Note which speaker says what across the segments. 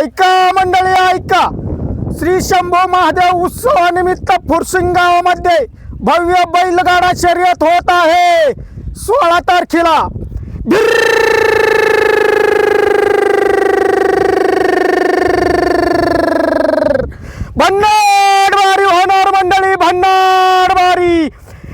Speaker 1: ऐका मंडळी ऐका, श्री शंभू महादेव उत्सवानिमित्त फुरसिंग गावामध्ये भव्य बैलगाडा शर्यत होत आहे 16 तारखेला। भन्नाट वारी होणार मंडळी, भन्नाट वारी।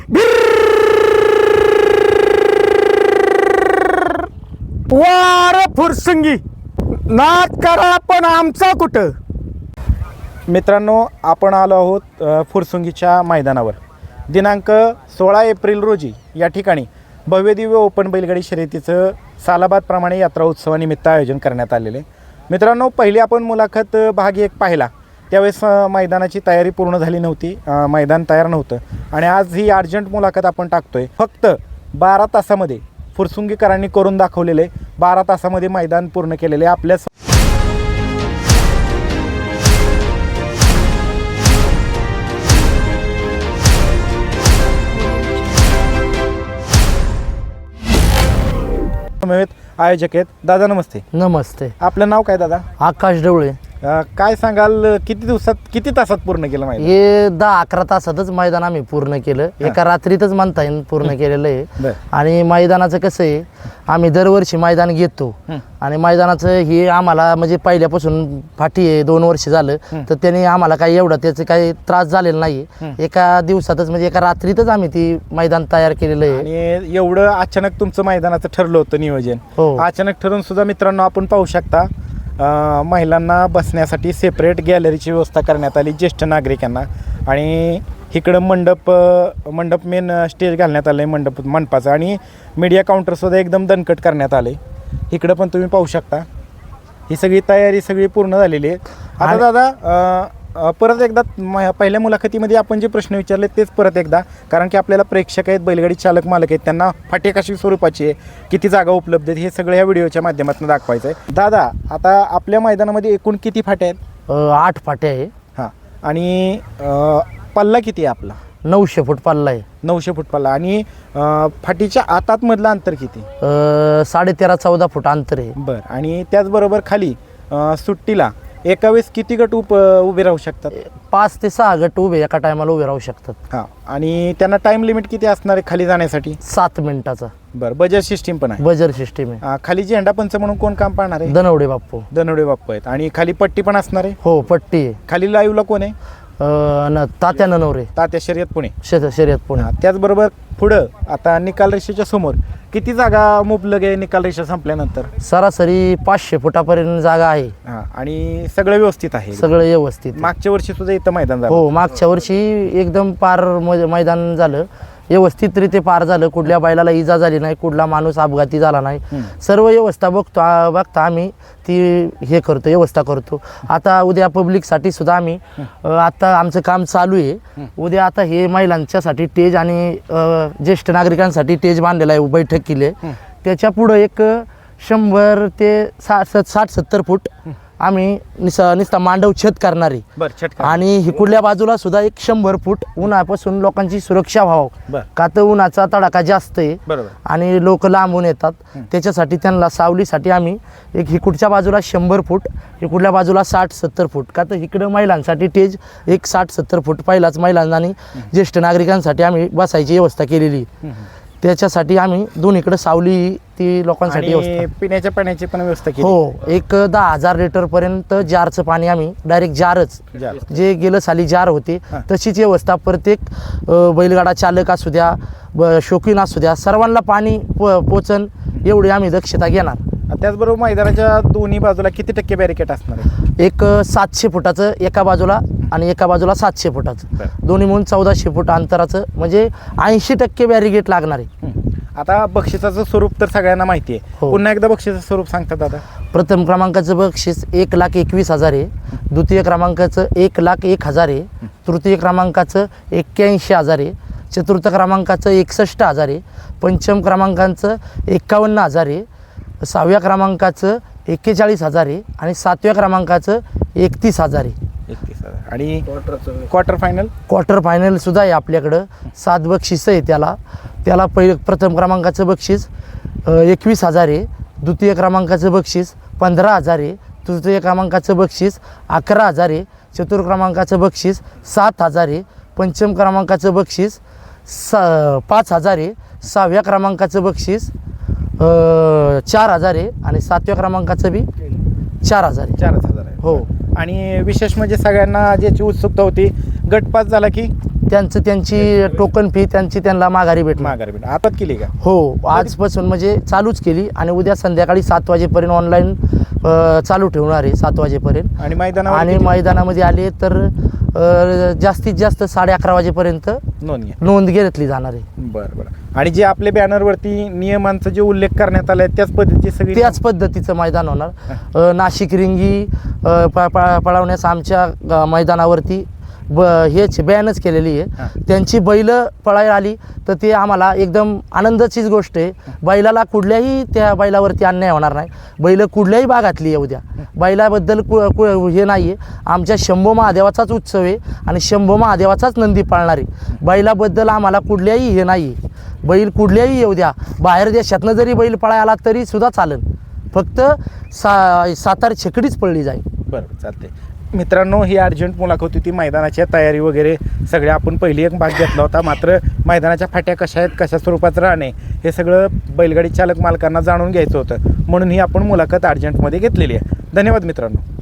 Speaker 1: वार फुरसिंगी नाद करा पण आमचा कुठं। मित्रांनो, आपण आलो आहोत फुरसुंगीच्या मैदानावर। दिनांक 16 एप्रिल रोजी या ठिकाणी भव्यदिव्य ओपन बैलगाडी शर्यतीचं सालाबादप्रमाणे यात्रा उत्सवानिमित्त आयोजन करण्यात आलेले। मित्रांनो, पहिली आपण मुलाखत भाग 1 पाहिला त्यावेळेस मैदानाची तयारी पूर्ण झाली नव्हती, मैदान तयार नव्हतं आणि आज ही अर्जंट मुलाखत आपण टाकतोय। फक्त 12 तासामध्ये फुरसुंगीकरांनी करून दाखवलेले, 12 तासामध्ये मैदान पूर्ण केलेले आपल्या आयोजक आहेत। दादा नमस्ते।
Speaker 2: नमस्ते।
Speaker 1: आपलं नाव काय दादा?
Speaker 2: आकाश ढवळे।
Speaker 1: काय सांगाल, किती दिवसात किती तासात पूर्ण केलं मैदान?
Speaker 2: हे 10-11 तासातच मैदान आम्ही पूर्ण केलं, एका रात्रीतच म्हणता येईल पूर्ण केलेलं आहे। आणि मैदानाचं कसं आहे, आम्ही दरवर्षी मैदान घेतो आणि मैदानाचं हे आम्हाला म्हणजे पहिल्यापासून फाटी आहे, 2 वर्ष झालं, तर त्याने आम्हाला काही एवढा त्याचं काही त्रास झालेला नाही। एका दिवसातच म्हणजे एका रात्रीतच आम्ही ती मैदान तयार केलेलं आहे।
Speaker 1: आणि एवढं अचानक तुमचं मैदानाचं ठरलं होतं नियोजन?
Speaker 2: हो,
Speaker 1: अचानक ठरून सुद्धा मित्रांनो आपण पाहू शकता महिलांना बसण्यासाठी सेपरेट गॅलरीची व्यवस्था करण्यात आली ज्येष्ठ नागरिकांना। आणि इकडं मंडप मेन स्टेज घालण्यात आलं आहे मंडपाचं, आणि मीडिया काउंटरसुद्धा एकदम दणकट करण्यात आले। इकडं पण तुम्ही पाहू शकता ही सगळी तयारी सगळी पूर्ण झालेली आहे। आता दादा परत एकदा पहिल्या मुलाखतीमध्ये आपण जे प्रश्न विचारले तेच परत एकदा, कारण की आपल्याला प्रेक्षक आहेत, बैलगाडी चालक मालक आहेत, त्यांना फाटे कशी स्वरूपाची आहे, किती जागा उपलब्ध आहेत, हे सगळं या व्हिडिओच्या माध्यमातून दाखवायचं आहे। दादा, आता आपल्या मैदानामध्ये एकूण किती फाटे आहेत?
Speaker 2: 8 फाटे आहे।
Speaker 1: हां, आणि पल्ला किती आहे आपला?
Speaker 2: 900 फूट पल्ला आहे।
Speaker 1: 900 फूट पल्ला। आणि फाटीच्या आतातमधलं अंतर किती?
Speaker 2: 13-14 फूट अंतर आहे।
Speaker 1: बरं, आणि त्याचबरोबर खाली सुट्टीला एका वेळेस किती गट उभे राहू शकतात?
Speaker 2: 5 ते 6 गट उभे एका टायमाला उभे राहू शकतात।
Speaker 1: हां, आणि त्यांना टाइम लिमिट किती असणार आहे खाली जाण्यासाठी?
Speaker 2: 7 मिनिटाचा।
Speaker 1: बरं, बजर सिस्टीम पण आहे?
Speaker 2: बजर सिस्टीम आहे।
Speaker 1: खाली झेंडा पंच म्हणून कोण काम पाहणार आहे?
Speaker 2: दनवडे बाप्पू।
Speaker 1: दनवडे बाप्पू आहेत। आणि खाली पट्टी पण असणार आहे?
Speaker 2: हो, पट्टी आहे।
Speaker 1: खाली लाईव्हला कोण आहे?
Speaker 2: तात्या ननवरे,
Speaker 1: तात्या शर्यत पुणे।
Speaker 2: शर्यत पुणे।
Speaker 1: त्याचबरोबर पुढं आता निकाल रेषेच्या समोर किती जागा मुबलक आहे निकाल रेषा संपल्यानंतर?
Speaker 2: सरासरी 500 फुटापर्यंत जागा आहे।
Speaker 1: हां, आणि सगळं व्यवस्थित आहे?
Speaker 2: सगळं व्यवस्थित।
Speaker 1: मागच्या वर्षी सुद्धा इथं मैदान झालं?
Speaker 2: हो, मागच्या वर्षी एकदम पार मैदान झालं, व्यवस्थितरित्या पार झालं, कुठल्या बैलाला इजा झाली नाही, कुठला माणूस अपघाती झाला नाही, सर्व व्यवस्था बघता आम्ही ती हे करतो, व्यवस्था करतो। आता उद्या पब्लिकसाठी सुद्धा आम्ही आता आमचं काम चालू आहे। उद्या आता हे महिलांच्यासाठी टेज आणि ज्येष्ठ नागरिकांसाठी टेज बांधलेला आहे बैठक केली, त्याच्या पुढं एक 100 ते 60-70 फूट आम्ही नुसता मांडव छत करणारे। आणि इकडल्या बाजूला सुद्धा एक 100 फूट उन्हापासून लोकांची सुरक्षा व्हावं, का तर उन्हाचा तडाखा जास्त आहे आणि लोक लांबून येतात, त्याच्यासाठी त्यांना सावलीसाठी आम्ही एक इकडच्या बाजूला 100 फूट, इकडल्या बाजूला 60-70 फूट, का तर इकडं महिलांसाठी टेज एक 60-70 फूट पहिलाच महिलांना आणि ज्येष्ठ नागरिकांसाठी आम्ही बसायची व्यवस्था केलेली। त्याच्यासाठी आम्ही दोन्हीकडे सावली ती लोकांसाठी व्यवस्था,
Speaker 1: पिण्याच्या पाण्याची पण व्यवस्था केली।
Speaker 2: हो, एक 10,000 लिटर पर्यंत जारचं पाणी आम्ही डायरेक्ट जारच, जे गेलं साली जार होते तशीच व्यवस्था प्रत्येक बैलगाडा चालक असू द्या, शौकीन असू द्या, सर्वांना पाणी पोचन एवढी आम्ही दक्षता घेणार।
Speaker 1: त्याचबरोबर मैदानाच्या दोन्ही बाजूला किती टक्के बॅरिकेड असणार आहे?
Speaker 2: एक 700 फुटाचं एका बाजूला आणि एका बाजूला 700 फुटाचं, दोन्ही म्हणून 1400 फूट अंतराचं, म्हणजे 80% बॅरिकेड लागणार आहे।
Speaker 1: आता बक्षिसाचं स्वरूप तर सगळ्यांना माहिती आहे, पुन्हा एकदा बक्षिसाचं स्वरूप सांगतात दादा?
Speaker 2: प्रथम क्रमांकाचं बक्षीस 1,21,000 आहे, द्वितीय क्रमांकाचं 1,01,000 आहे, तृतीय क्रमांकाचं 81,000 आहे, चतुर्थ क्रमांकाचं 61,000 आहे, पंचम क्रमांकाचं 51,000 आहे, 6व्या क्रमांकाचं 41,000 आहे आणि 7व्या क्रमांकाचं 31,000 आहे।
Speaker 1: 31,000 आणि क्वार्टर फायनल सुद्धा आहे आपल्याकडं। 7 बक्षीस आहे त्याला प्रथम क्रमांकाचं बक्षीस 21,000 आहे, द्वितीय क्रमांकाचं बक्षीस 15,000 आहे,
Speaker 2: तृतीय क्रमांकाचं बक्षीस 11,000 आहे, चतुर्थ क्रमांकाचं बक्षीस 7,000 आहे, पंचम क्रमांकाचं बक्षीस 5,000 आहे, 6व्या क्रमांकाचं बक्षीस 4,000 आहे आणि 7व्या क्रमांकाचं बी 4,000 आहे.
Speaker 1: 4,000 आहे.
Speaker 2: हो.
Speaker 1: आणि विशेष म्हणजे सगळ्यांना ज्याची उत्सुकता होती, गटपास झाला की
Speaker 2: त्यांची टोकन फी त्यांना माघारी भेटणार.
Speaker 1: माघारी भेट आता केली का?
Speaker 2: हो, आजपासून म्हणजे चालूच केली आणि उद्या संध्याकाळी 7 वाजेपर्यंत ऑनलाईन चालू ठेवणार आहे 7 वाजेपर्यंत.
Speaker 1: आणि
Speaker 2: आणि मैदानामध्ये आले तर जास्तीत जास्त 11:30 वाजेपर्यंत नोंद घेतली जाणार आहे.
Speaker 1: बरं बरं. आणि जे आपल्या बॅनरवरती नियमांचा जे उल्लेख करण्यात आलाय त्याच पद्धतीची सगळी
Speaker 2: त्याच पद्धतीचं मैदान होणार. नाशिक रिंगी पळवण्यास आमच्या मैदानावरती हेच बॅनच केलेली आहे. त्यांची बैल पळायला आली तर ते आम्हाला एकदम आनंदाचीच गोष्ट आहे. बैलाला कुठल्याही त्या बैलावरती अन्याय होणार नाही. बैल कुठल्याही भागातली येऊ द्या, बैलाबद्दल हे नाही आहे. आमच्या शंभो महादेवाचाच उत्सव आहे आणि शंभो महादेवाचाच नंदी पाळणार आहे. बैलाबद्दल आम्हाला कुठल्याही हे नाही आहे. बैल कुठल्याही येऊ द्या, बाहेर देशातनं जरी बैल पळायला आला तरी सुद्धा चालेल, फक्त सातार छकडीच पळली जाईल.
Speaker 1: बरोबर, चालते. मित्रांनो, ही अर्जंट मुलाखत होती. मैदानाच्या तयारी वगैरे सगळे आपण पहिली एक भाग घेतला होता. मात्र मैदानाच्या फाट्या कशा आहेत, कशा स्वरूपात राहणे, हे सगळं बैलगाडी चालक मालकांना जाणून घ्यायचं होतं, म्हणून ही आपण मुलाखत अर्जंटमध्ये घेतलेली आहे. धन्यवाद मित्रांनो.